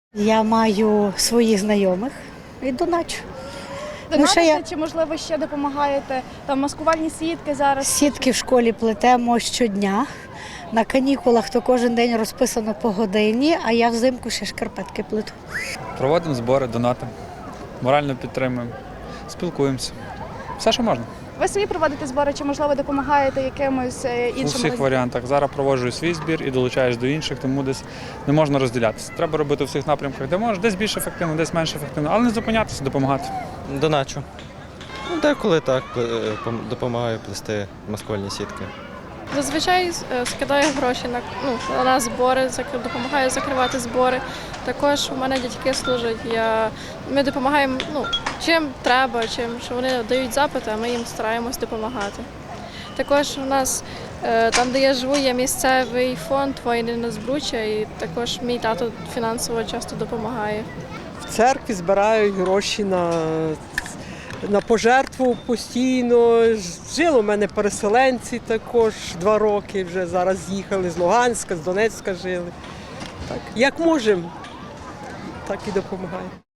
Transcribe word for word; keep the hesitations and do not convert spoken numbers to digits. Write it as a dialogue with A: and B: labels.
A: Я маю своїх знайомих і доначу.
B: Донатите,
A: я-
B: чи, можливо, ще допомагаєте? Там маскувальні сітки зараз.
A: Сітки в школі плетемо щодня. На канікулах то кожен день розписано по годині, а я взимку ще шкарпетки плету.
C: Проводимо збори, донатимо, морально підтримуємо, спілкуємося. Все, що можна.
B: Ви самі проводите збори, чи, можливо, допомагаєте якимось е, іншим?
C: У всіх
B: організаціям?
C: варіантах. Зараз проводжу свій збір і долучаюсь до інших, тому десь не можна розділятися. Треба робити у всіх напрямках, де можна, десь більш ефективно, десь менш ефективно, але не зупинятися, допомагати.
D: Доначу. Ну, деколи так пле- пом- допомагаю плести маскувальні сітки.
E: Зазвичай е, скидаю гроші на, ну, на збори, зак- допомагаю закривати збори. Також у мене дядьки служать. Я, ми допомагаємо, ну, чим треба, чим що вони дають запити, а ми їм стараємось допомагати. Також у нас е, там, де я живу, є місцевий фонд «Воїни на збруччя», і також мій тато фінансово часто допомагає.
F: В церкві збирають гроші на, на пожертву постійно. Жили у мене переселенці також два роки вже зараз їхали з Луганська, з Донецька жили. Так, як можемо, так і допомагаємо.